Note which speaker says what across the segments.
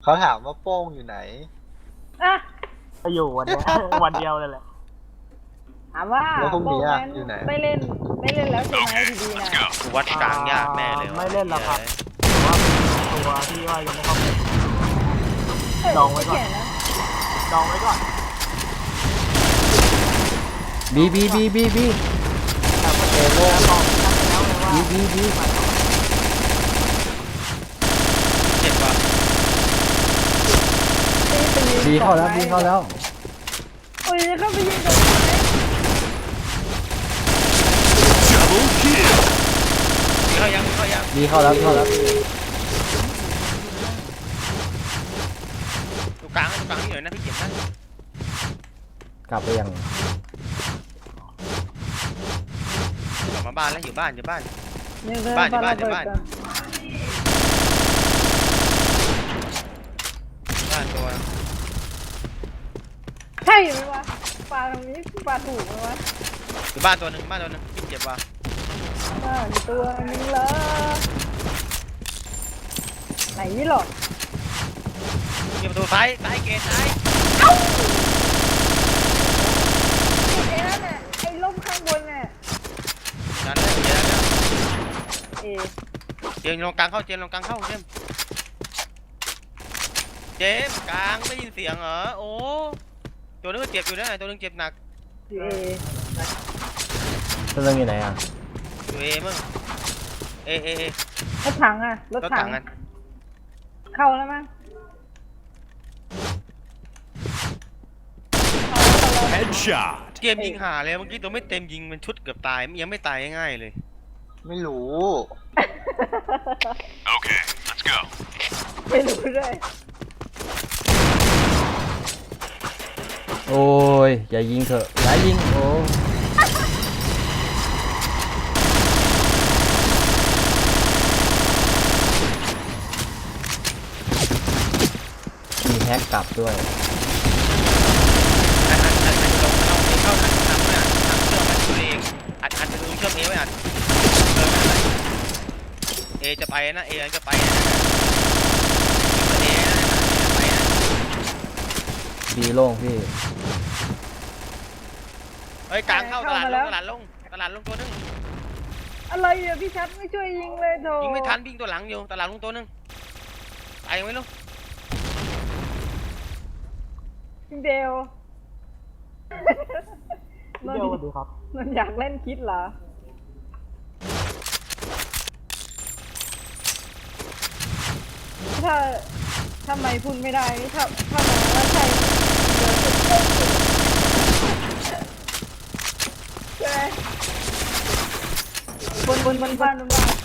Speaker 1: เขาถามว่าโป้งอยู่ไหน
Speaker 2: อ่ะ
Speaker 3: ไปอยู่วันเนี้ย วันเดียวเลยแหละ
Speaker 2: ถามว่า
Speaker 1: แล้วพรุ่งนี้
Speaker 2: โป้
Speaker 1: อะ
Speaker 2: แมน
Speaker 1: อยู่ไหน
Speaker 2: ไม่เล่นแล้วใช่ไหมทีดีนะ
Speaker 4: กูวัดกลางยากแน่เลยว่ะ
Speaker 3: ไม่เล่นแล้วครับแต่ว่าตัวที่ว่ายังไม่เข้าไปดองไว้ก่อน
Speaker 2: เขียนนะ
Speaker 3: ดองไว้ก่อน
Speaker 5: บีบีบีบีบี
Speaker 3: แต่ว่าเอโร่บอกตั้งไปแล้วเลยว่า
Speaker 5: บีบีบี
Speaker 4: เจ็บว่ะ
Speaker 5: บีเข้าแล้วบีเข้าแล้ว
Speaker 2: โอ้ยเข้าไปยิงตรงไหน
Speaker 4: มีเข้ายังมีเข้ายัง
Speaker 5: บีเข้าแล้วเข้าแล้ว
Speaker 4: ตรงกลางนี่หน่อยนะพี่เจ็บนะ
Speaker 5: กลับไปยัง
Speaker 4: กลับมาบ้านแล้วอยู่บ้านอยู่บ้าน
Speaker 2: เนี่ยเดิ
Speaker 4: บ้าน
Speaker 2: ป
Speaker 4: บ้าน
Speaker 2: ระเบิด
Speaker 4: บ้าน
Speaker 2: ก่อน
Speaker 4: บ้านตัว
Speaker 2: ใช่ไหมวะปลาตรงนี้ปลาถูกไหมวะ
Speaker 4: อยู่บ้านตัวหนึ่งพี่เจ็บว่ะ
Speaker 2: มีตัวนึงเลยไหนหรอ
Speaker 4: มีประตูซ้ายเกตซ้าย
Speaker 2: ไอ้นั่นน่ะไอ้ล่มข้างบนน่ะ
Speaker 4: ดันเลยเดี๋ยว
Speaker 2: เอ
Speaker 4: เจมส์ลงกลางเข้าเจมส์กลางเข้าเจมส์กลางได้ยินเสียงเหรอโอ้ตัวนึงก็เจ็บอยู่นะตัวนึงเจ็บหนัก
Speaker 2: เอ
Speaker 5: ตัวเรื่องอยู่ไหนอ่ะ
Speaker 4: อยู่เอมึงเอ
Speaker 2: รถถังอ่ะรถ
Speaker 4: รถ
Speaker 2: ถั
Speaker 4: ถั
Speaker 2: ง
Speaker 4: งกัน
Speaker 2: เข้าแล้วมั้ง
Speaker 6: Headshot.
Speaker 4: เกมยิงหาเลยเมื่อกี้ตัวไม่เต็มยิงมันชุดเกือบตายยังไม่ตายง่ายๆเลย
Speaker 1: ไม่รู้
Speaker 6: Okay, let's go.
Speaker 2: ไม่รู้ด้วย
Speaker 5: โอ้ยอย่ายิงเถอะอย่ายิงโอ้มีแฮกกลับด้วย
Speaker 4: อันลงเอาเข้าทางเนี่ยทางเชื่อมมันตัวเองอัดไปดูเชื่อมเอไว้อัดเอจะไปนะเอจะไปนะเอนะไปนะ
Speaker 5: บีโล่งพี่
Speaker 4: เฮ้ยกลางเข้าตลาดลงตัวนึง
Speaker 2: อะไรอ่ะพี่ชัดไม่ช่วยยิงเลยโถ
Speaker 4: ยิงไม่ทันวิ่งตัวหลังอยู่ตลาดลงตัวนึงตายยังไม่รู้
Speaker 2: พี่เบล
Speaker 3: เดี๋ยวสวัสดีครับ
Speaker 2: นนอยากเล่นคิดเหรอถ้าทำไมพูดไม่ได้ถ้ามันว่าใช่เดี๋ยวจะเต้นใช่ไหมบนบ้าน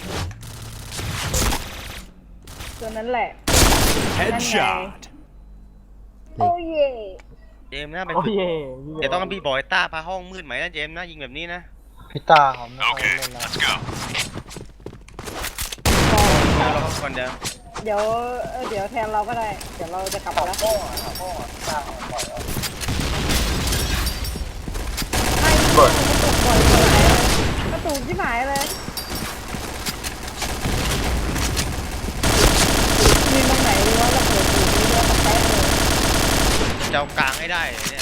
Speaker 2: ตัวนั้นแหละ
Speaker 6: Headshot.
Speaker 2: โอ้เย่
Speaker 4: เจมนะไป
Speaker 3: โอ้
Speaker 4: ฝึก
Speaker 3: เย่
Speaker 4: เดี๋ยวต้องพี่บอยต้าพาห้องมืดไหมนะเจมนะยิงแบบนี้นะ
Speaker 1: พี่ตาเขาไม่ค่อย
Speaker 6: Okay,
Speaker 1: เล่นแล้ว
Speaker 6: let's go.
Speaker 4: เราคนเดียว
Speaker 2: เดี๋ยวแทนเราก็ได้ เดี๋ยวเราจะกลับแล้ว
Speaker 1: โป้งอ่ะโป้งอ่ะพี่ตาเขาปล่อยออก
Speaker 2: ไม่กระตุกบ่อยเลยกระตุกที่หมายเลยมีตรงไหนดีว่าเราเปิดสูตรนี้ด้วยมาแป๊ะเลย
Speaker 4: จะเอากลางให้ได้เลยเนี่ย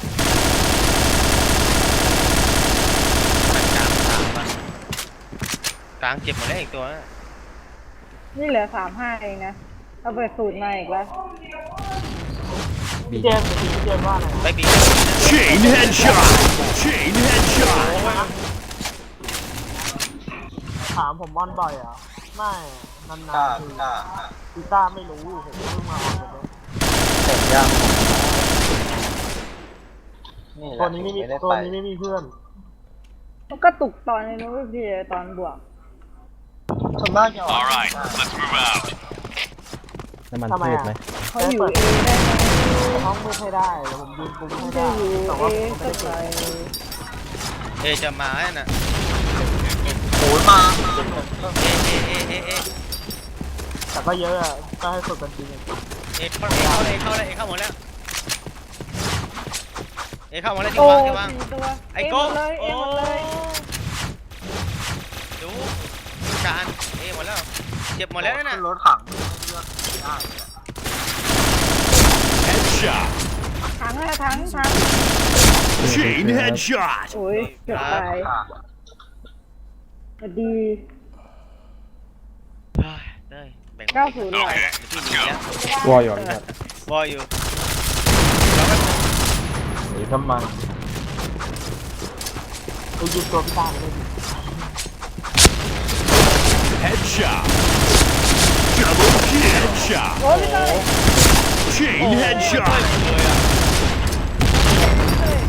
Speaker 4: กลางสามป่ะกลางเจ็บหมดแล้วอีกตัว
Speaker 2: นี่เหลือ35เองนะเอาเปิดสูตรมาอีกแล้ว
Speaker 5: บี
Speaker 3: เจมส์พี่เจมส์ว่าไง
Speaker 4: ไปบี
Speaker 6: Chain headshot. Chain headshot.
Speaker 3: ถามผมบอลบ่อยเหรอไม่นาน
Speaker 1: พี่ตา
Speaker 3: ๆที
Speaker 1: พี่ตา
Speaker 3: กีตาร์ไม่รู้ผมเพิ่งมาออกเลย
Speaker 1: เสร็จยังนี่แห
Speaker 3: ตัว
Speaker 1: ละ
Speaker 3: นี้ไม่มี
Speaker 1: ได้
Speaker 3: ตัว
Speaker 1: ไป
Speaker 3: นี้ไม่มีเพื่อน
Speaker 2: มันกระตุกตอนนี้นู้นพี่ตอนบวก
Speaker 1: ส่วนมากจะออก
Speaker 6: All right, let's move out.
Speaker 5: น้ำมันพืชไหม
Speaker 2: เขาอยู่เอได้ไหม
Speaker 3: ห้องมืดให้ได้เดี๋ยวผมยืนปุ้มให้
Speaker 2: จะ
Speaker 3: ได้
Speaker 2: อยู่
Speaker 3: แต่
Speaker 2: เอ
Speaker 3: ว่าผมไม่
Speaker 2: ก็
Speaker 3: ได้
Speaker 2: ไป
Speaker 3: เก่ง
Speaker 4: จะมาน่ะ
Speaker 1: โอ้ยมา
Speaker 4: เอ
Speaker 3: แต่ก็เยอะอะก็ให้ฝึกกันจริง
Speaker 4: เข้าหมดแล้วเข้าหมดแล้วที่
Speaker 2: โอ้
Speaker 4: วาง
Speaker 2: 4 ตัว
Speaker 4: ไอ้
Speaker 2: เอ
Speaker 4: โก้
Speaker 2: หมดเลยเอหมดเลย
Speaker 4: ดูการหมดแล้วเจ็บหมดแล้วนั่นน่ะ
Speaker 1: ขึ้นรถถังเลือกได้เลยอะ
Speaker 6: headshot.
Speaker 2: ถังอะถัง
Speaker 6: Chain headshot.
Speaker 2: โอ้ยเกือบตายสวัสดี
Speaker 4: เฮ้ยเต้ยแบ่ง
Speaker 2: 90เลย
Speaker 6: Okay,
Speaker 4: ที่
Speaker 6: let's
Speaker 4: ดีแล้ว
Speaker 6: go.
Speaker 5: วออยู่พี่ครับ
Speaker 4: วออยู่
Speaker 3: หนีทำไมไปยิงตัวพี่ต้าไปเลยดิ
Speaker 6: Headshot. Double kill. Headshot.
Speaker 2: โอ้ยพี่เต้ย
Speaker 6: Chain
Speaker 4: โอ้ย
Speaker 6: headshot.
Speaker 4: เลยอ่ะ
Speaker 2: เต้ย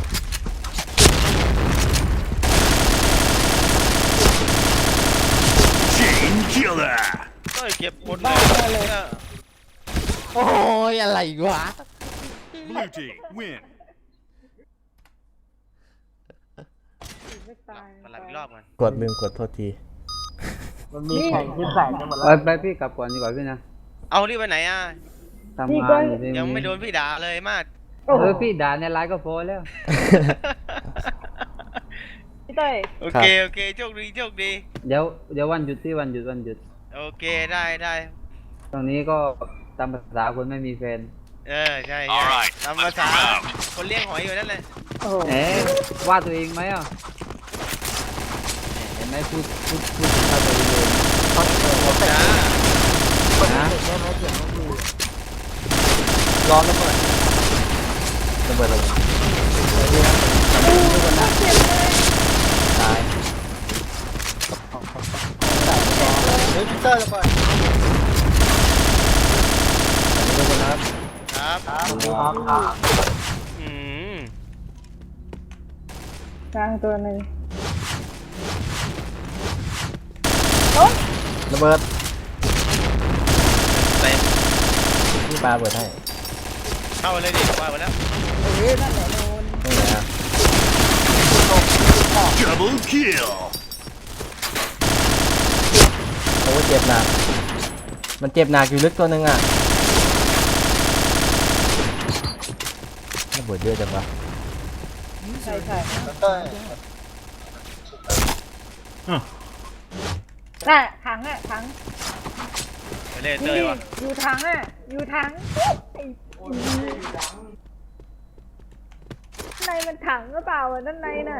Speaker 6: Chain killer.
Speaker 4: เต้ยเก็บหมดเลยเนี่ย
Speaker 5: โอ้ยอะไรวะ
Speaker 6: Blue team win.
Speaker 2: ไม่ตาย
Speaker 4: มาลับอีกรอบกัน
Speaker 5: กดลืมกดโทษที
Speaker 3: มันมีแข่งขึ้นแสงกันหมด
Speaker 7: ไป
Speaker 3: แล้ว
Speaker 7: ไปพี่กลับก่อนดีกว่าพี่นะ
Speaker 4: เอารีบไปไหนอ่ะ
Speaker 7: ทำงานอยู่ที่
Speaker 4: ยังไม่โดนพี่ด่าเลยมาก
Speaker 2: โอ้โห
Speaker 7: พี่ด่าในไลน์ก็โพสแล้ว
Speaker 2: พี่เต้ย
Speaker 4: โอเคโอเคโชคดีโชคดี
Speaker 7: เดี๋ยววันหยุดที่วันหยุด
Speaker 4: โอเคได้ได้
Speaker 7: ตรงนี้ก็ตามภาษาคนไม่มีแฟน
Speaker 4: เออใช่
Speaker 6: Alright,
Speaker 4: ตาม
Speaker 6: let's
Speaker 4: ภาษา
Speaker 6: move out.
Speaker 4: คนเลี้ยงหอยอยู่นั่นแหละ
Speaker 2: โอ้โห
Speaker 7: เอ๊ะว่าตัวเองไหมอ่ะเห็นไหมพูดถึงเขาตัวเองเลย
Speaker 4: จ้า
Speaker 7: นะ
Speaker 3: ได้ไหมเสียงไม่ดี
Speaker 1: ร้อนระเบิด
Speaker 5: ระเบิดระเบิด
Speaker 7: ตาย
Speaker 1: เฮ้ยพีเตอร์ระเบิด
Speaker 5: ทุกคนนะครับ
Speaker 4: ครับ
Speaker 3: ครับ
Speaker 4: อืม
Speaker 2: กลางตัวหนึ่ง
Speaker 5: ระเบิด
Speaker 4: เต็ม
Speaker 5: พี่ปาเปิดให้
Speaker 4: เข้าไปเลยดิว่าไปแล้ว
Speaker 2: เอ้ยนั่นแหละโดน
Speaker 5: ตรงไหนอะ
Speaker 6: Double kill.
Speaker 5: โอ้เจ็บหนักมันเจ็บหนักอยู่ลึกตัวหนึงอ่ะระเบิดเยอะจังวะ
Speaker 2: ใช่ใช่
Speaker 1: เต้ย
Speaker 2: น่ะถังอะถัง
Speaker 4: ไปเลยเต
Speaker 2: นี่
Speaker 4: ยวะ
Speaker 2: อยู่ถังอะอยู่ถังไอ้ในมันถังหรือเปล่าอะด้านในน่ะ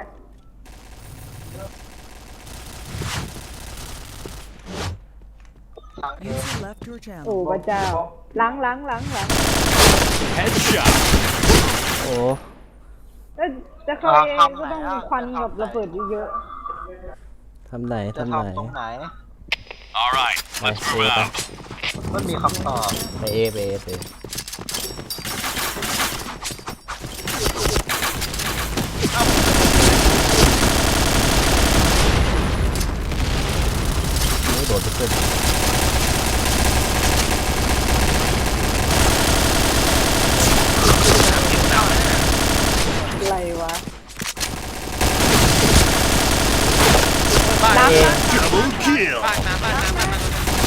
Speaker 1: ถังเอ
Speaker 8: User left your channel.
Speaker 2: โอ้พระเจ้าหลัง
Speaker 6: Headshot.
Speaker 5: โอ้
Speaker 2: แล้วจะเข้าเองก็ต้องมีควันกับระเบิดเยอะ
Speaker 5: ทำไหน
Speaker 1: จะ
Speaker 5: ทำไหน
Speaker 1: ทำตรงไหน
Speaker 6: All right,
Speaker 5: ไป
Speaker 6: let's
Speaker 5: เอ
Speaker 6: move
Speaker 5: ไป
Speaker 6: out.
Speaker 1: ไม่มีคำตอบ
Speaker 5: ไปเอไปเอไปนี่โดดไปขึ้น
Speaker 2: ๆอะไรวะ
Speaker 4: บ้าน
Speaker 2: ล้าง
Speaker 4: เอง
Speaker 2: ล้าง
Speaker 6: Double kill.
Speaker 4: บ้านมาบ้านมาบ้านมา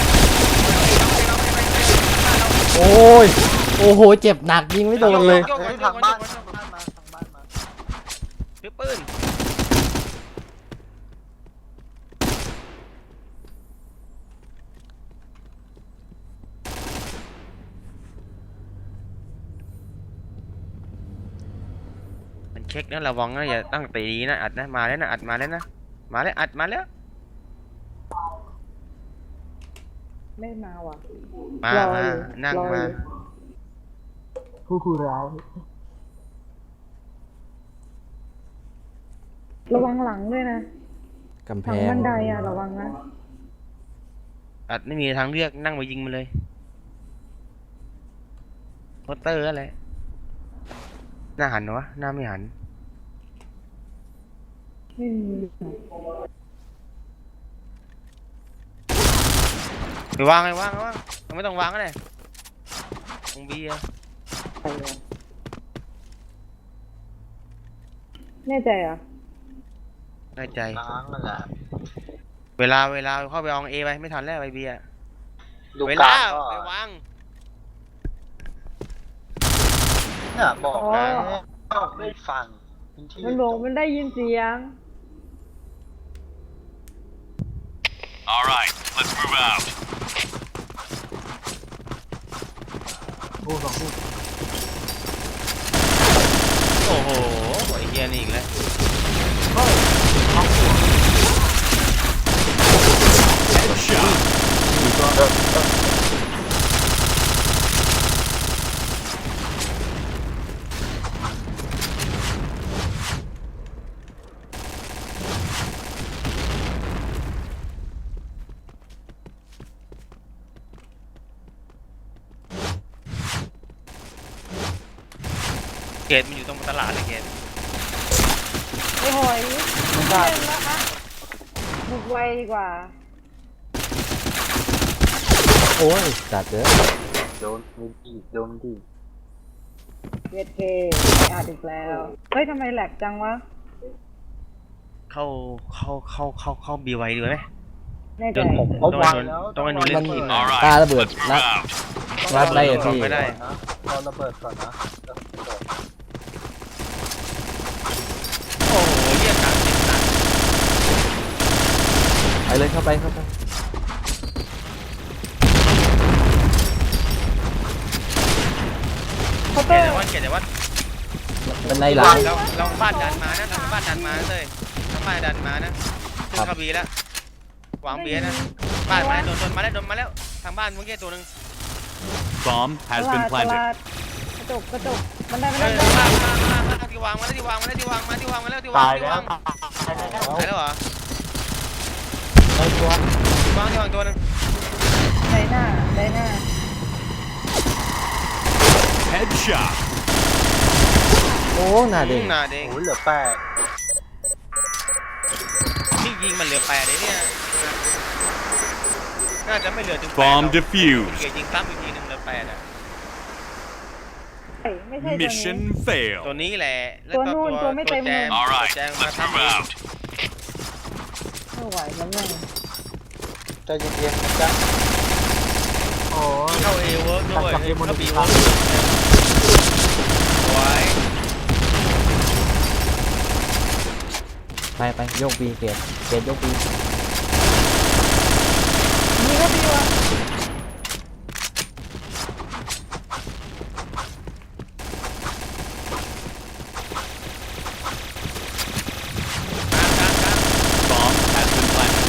Speaker 5: โอ้ยโอ้โหเจ็บหนักยิงไม่โดนเลย
Speaker 1: เฮ้ยทางบ้านทางบ้านมาทางบ้านมา
Speaker 4: ถือปืนมันเช็คนะระวังนะอย่าตั้งตีดีนะอัดนะมาแล้วนะอัดมาแล้วนะมาแล้วอัดมาแล้ว
Speaker 2: ไม่มาว่ะ
Speaker 4: มาร
Speaker 2: อ
Speaker 4: มา
Speaker 2: อยู่
Speaker 4: นั่ง
Speaker 2: รอ
Speaker 4: มา
Speaker 2: อยู่
Speaker 3: ผู้ร้าย
Speaker 2: ระวังหลังด้วยนะ
Speaker 5: กำแพ
Speaker 2: หลัง
Speaker 5: ง
Speaker 2: บันไดอะระวังนะ
Speaker 4: อัดไม่มีทางเลือกนั่งไปยิงมันเลยโพสเตอร์อะไรหน้าหันวะหน้าไม่หัน
Speaker 2: ไม่มี
Speaker 4: ไปวางไปวางไปวางไม่ต้องวางก็ได้ตรงบีอะ
Speaker 2: ใครวะแน่ใจเหรอ่ะ
Speaker 4: ได้ใจ
Speaker 1: ล้างนั่นแหละ
Speaker 4: เวลาเข้าไปเอาเอไปไม่ทันแล้วไปบีอะ
Speaker 1: ดู
Speaker 4: เว
Speaker 1: ก
Speaker 4: ลา
Speaker 1: ลางก็
Speaker 4: ไปวาง
Speaker 1: เนี่ยบอกแล้วไม่ฟังพื้นที่
Speaker 2: มันบอกมันได้ยินเสียง
Speaker 6: All right, let's move out.
Speaker 3: ผู้สองผู้
Speaker 4: โอ้โหไอ้เหี้ยนี่อีกแล้ว
Speaker 6: Headshot.
Speaker 4: เกตมันอยู่ตรงตลาดเลยเกต
Speaker 2: ไอ้หอยไม่เล่นแล้วอะบุกไวดีกว่า
Speaker 5: โอ้ยจัดเด้อ
Speaker 1: โดนดีโดนดี
Speaker 2: เวทเคอาดอีกแล้ว เฮ้ยทำไมแหลกจังวะ
Speaker 4: เข้าบีไวดีไหม
Speaker 2: แน่ใจ
Speaker 1: เขาวางแล้ว
Speaker 4: ต้องให้หนูเล่นทีม
Speaker 6: All
Speaker 5: ปา
Speaker 6: right,
Speaker 5: ระเบิด
Speaker 6: let's
Speaker 5: รั
Speaker 6: move
Speaker 5: ด
Speaker 6: out.
Speaker 5: รัดได้อะพี่
Speaker 4: ไม่ได้
Speaker 1: นะรอระเบิดก่อนนะแล้วระเบิด
Speaker 4: โอ้โหเหี้ยกลางเจ็บหนัก
Speaker 5: ไปเลยเข้าไป
Speaker 2: เคาน์
Speaker 4: เก
Speaker 2: เตอ
Speaker 4: ต
Speaker 2: ร์
Speaker 4: แต่ว่าเกตแต่ว่า
Speaker 5: เป็นในหลัง
Speaker 4: เราบ้านดันมานะเราบ้านดันมาเลยทางบ้านดันมานะขึ้นเข้าบีแล้ววางเบียร์นะบ้านมาแล้วโดนมาแล้วทางบ้านเมื่อกี้ตัวหนึ่ง
Speaker 6: Bomb
Speaker 2: ต
Speaker 6: has
Speaker 2: ลา
Speaker 6: been
Speaker 2: ดต
Speaker 6: planted.
Speaker 2: ลาดกระจกมันได้
Speaker 4: เออมาที่วางมาแล้วที่วางมาแล้วที่วางมาที่วางมาแล้วที่วาง
Speaker 3: ตาย
Speaker 4: ที่
Speaker 3: แล้ว
Speaker 4: วาง
Speaker 3: ตายแล้ว
Speaker 4: ตายแล้วเหรอ
Speaker 3: ไอ้ตัว
Speaker 4: ที่วางตัวหนึง
Speaker 2: ได้หน้า
Speaker 6: Headshot.
Speaker 5: โอ้หน้าเด็ก
Speaker 4: หน้าเด้ง
Speaker 1: โอ้ยเหลือแปด
Speaker 4: ที่ยิงมันเหลือ8เลยเนี่ยน่าจะไม่เหลือถึง8
Speaker 6: Bomb
Speaker 4: เกีย
Speaker 6: defused.
Speaker 4: ยิงซ้ำอีกทีหนึงเหลือ8อ่ะ
Speaker 2: ไม่ใช่ตัวนี้
Speaker 6: Mission
Speaker 4: ตัว
Speaker 6: failed.
Speaker 4: นี้แหละแล้ว
Speaker 2: ตัวนู่นตัวไม่เต็ม
Speaker 4: แจม
Speaker 6: All
Speaker 4: ตัว
Speaker 6: right,
Speaker 4: แจมมา
Speaker 6: let's
Speaker 4: ทำ
Speaker 6: move
Speaker 4: เอง
Speaker 6: out.
Speaker 2: ไม่ไหวแล้วแม่ง
Speaker 1: ใจเย็นๆนะจ๊ะ
Speaker 3: โอ้ย
Speaker 4: เข้าเอเวิร์กด้วย
Speaker 3: กับ A
Speaker 4: เข้าบี
Speaker 3: ค
Speaker 4: เวิ
Speaker 3: รับ
Speaker 4: ร์กไว้
Speaker 5: ไปโยกบีเกตโยกบี
Speaker 2: นี่ก็ดีวะ
Speaker 6: Bomb has been planted.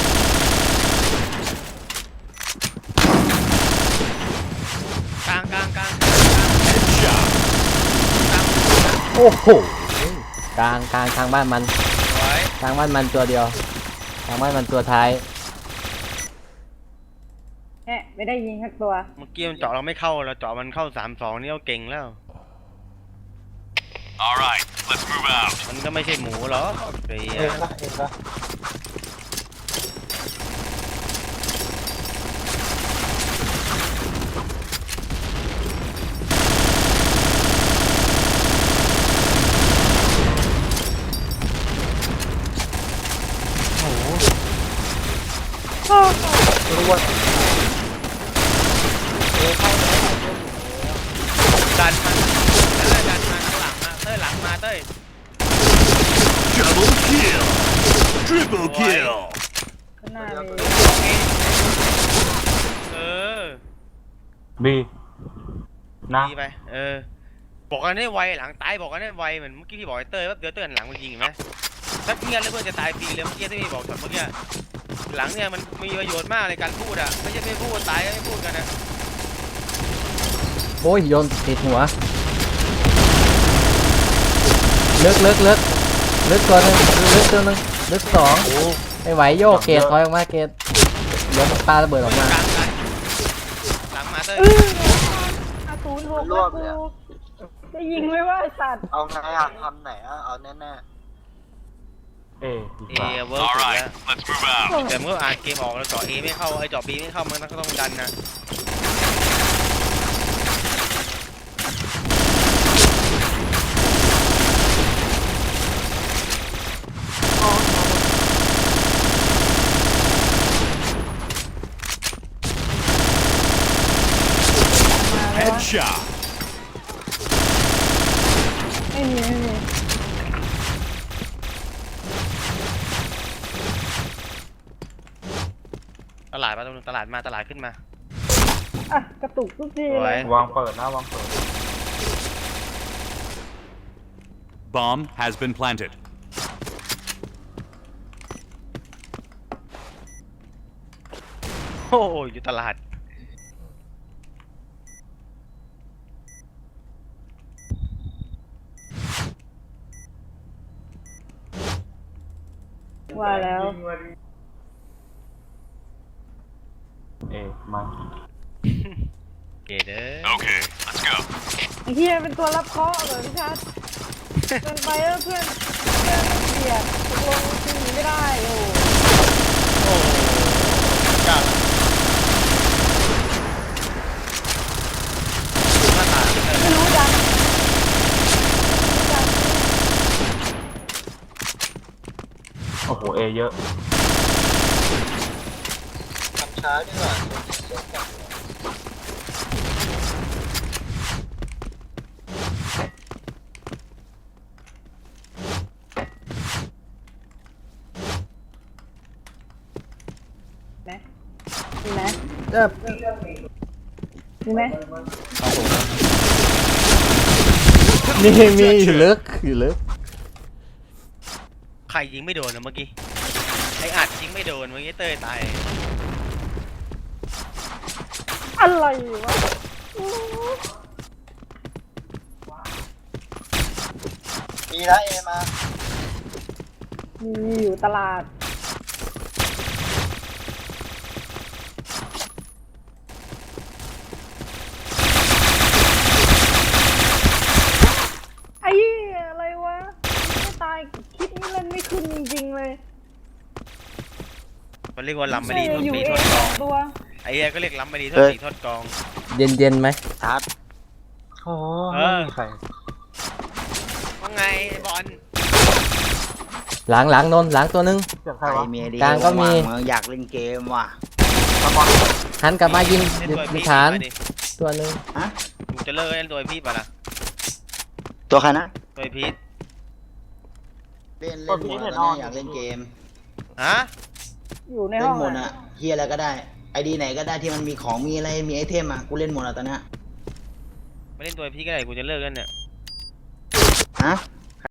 Speaker 4: กลาง
Speaker 6: Headshot.
Speaker 5: โอ้โหกลางทางบ้านมัน
Speaker 4: ไว้
Speaker 5: ทางบ้านมันตัวเดียวทางบ้านมันตัวท้าย
Speaker 2: แหะไม่ได้ยิงสักตัว
Speaker 4: เมื่อกี้มันเจาะเราไม่เข้าเราเจาะมันเข้า3-2นี่เราเก่งแล้ว
Speaker 6: All right, let's move out.
Speaker 4: มันก็ไม่ใช่หมูหรอกไอ้
Speaker 1: เองละเองละ รู้ว่า
Speaker 4: ดันมาดันมาข้างหลังมาเต้ยหลังมาเต้ย
Speaker 6: Double kill. Triple kill.
Speaker 2: ข้างหน้าเลย
Speaker 4: เออ
Speaker 3: บีนะ
Speaker 4: ดีไปบอกกันให้ไวหลังตายบอกกันให้ไวเหมือนเมื่อกี้ที่บอกไอ้เต้ยว่าเดี๋ยวเต้ยหันหลังมายิงเห็นไหมถ้าเงี้ยแล้วเพื่อนจะตายฟรีเลยเมื่อกี้ที่พี่บอกตอนเมื่อกี้หลังเนี่ยมันมีประโยชน์มากในการพูดอ่ะไม่ใช่ไม่พูดตายก็ไม่พูดกันนะ
Speaker 5: โอ้ยโยนติดหัวลึกตัวหนึงลึกสองไม่ไหวโยกเกตถอยออกมาเกตเดี๋ยวปาระเบิดออกมา
Speaker 4: กลางหลังมาเต้ย
Speaker 2: 06แล้วกูจะยิงไม่ว่าไอ้สัตว์
Speaker 1: เอาไงอ่ะทำไหนอ่ะเอาแน่
Speaker 3: เอดีกว่า
Speaker 4: เวิร์ก
Speaker 6: All
Speaker 4: สุด
Speaker 6: right,
Speaker 4: แล้ว
Speaker 6: let's move out.
Speaker 4: แต่เมื่ออ่านเกมออกแล้วเจาะ A ไม่เข้าไอ้เจาะ B ไม่เข้ามันก็ต้องดันนะ
Speaker 6: Headshot.
Speaker 2: ไม่มี
Speaker 4: ตลาดมาตรงนึงตลาดมาตลาดขึ้นมา
Speaker 2: อ่ะกระตุกทุกที
Speaker 4: สว
Speaker 2: เลย ย
Speaker 3: วางเปิดนะวางเปิด
Speaker 6: Bomb has been planted.
Speaker 4: โอ้ยอยู่ตลาด
Speaker 2: ว่าแล้ว
Speaker 3: มา
Speaker 4: เกเด้อ
Speaker 6: Okay, let's go.
Speaker 2: ไอ้เฮียเป็นตัวรับเคราะห์เหรอพี่ชัดเกินไปแล้วเพื่อนเบียดตกลงจริงไม่ได้โอ้
Speaker 1: โอ้กล้าละ
Speaker 4: หน้าตาไม่เกิน
Speaker 2: ไม่รู้จัง
Speaker 3: โอ้โหเอเยอะ
Speaker 1: ทำช้าดีกว่า
Speaker 2: นะมีไหม
Speaker 5: เจ็บ
Speaker 2: มีไหม
Speaker 5: มีอยู่ลึกอยู่ลึก
Speaker 4: ใครยิงไม่โดนนะเมื่อกี้ไอ้อัดยิงไม่โดนเมื่อกี้เต้ยตาย
Speaker 2: อะไรวะ
Speaker 1: มีนะเอมา
Speaker 2: มีอยู่ตลาดไอ้เหี้ยอะไรวะไม่ตายคลิปนี้เล่นไม่ขึ้นจริงๆเลย
Speaker 4: มันเรียกว่าลำไม่ดีท
Speaker 2: อยู่
Speaker 4: ตี
Speaker 2: เอ
Speaker 4: ทอด
Speaker 2: ง
Speaker 4: ก
Speaker 2: ส
Speaker 4: อ
Speaker 2: อง งตัว
Speaker 4: ไอ้เหี้ยก็เรียกลำไม่ดีทอดตีทอดกอง
Speaker 5: เย็นไหม
Speaker 1: ทัด
Speaker 3: โอ้
Speaker 4: เออ
Speaker 3: ไม่มีใคร
Speaker 4: ว่าไงไอ้บอล
Speaker 5: หลังนนหลังตัวนึง
Speaker 3: เสียงใคร
Speaker 1: ไอ
Speaker 3: วะ
Speaker 1: เมียดี
Speaker 5: กลางก็มี
Speaker 1: ว่างๆอยากเล่นเกมว่ะ
Speaker 3: ตะบอล
Speaker 5: หันกลับมายิง
Speaker 4: เล่น
Speaker 5: อยู่
Speaker 4: ตัว
Speaker 5: ใน
Speaker 4: พี่
Speaker 5: ฐาน
Speaker 4: มาดิ
Speaker 5: ตัวนึง
Speaker 1: ฮะ
Speaker 4: มึงจะเลิกเล่นตัวพี่ป่ะล่ะ
Speaker 1: ตัวใครนะ
Speaker 4: ตัวพีท
Speaker 1: เล่นหมดแล้วเนี่ยอยากเล่นเกม
Speaker 4: ฮะ
Speaker 2: อยู่ใน
Speaker 1: เล่
Speaker 2: ห้อน ง
Speaker 1: หมด
Speaker 2: อะ
Speaker 1: อะเฮียอะไรก็ได้ไอดีไหนก็ได้ที่มันมีของมีอะไรมีไอเทมอะกูเล่นหมดอะตอนเนี้ย
Speaker 4: ไม่เล่นตัวพี่ก็ได้กูจะเลิกเล่นเนี่ย
Speaker 1: ฮะ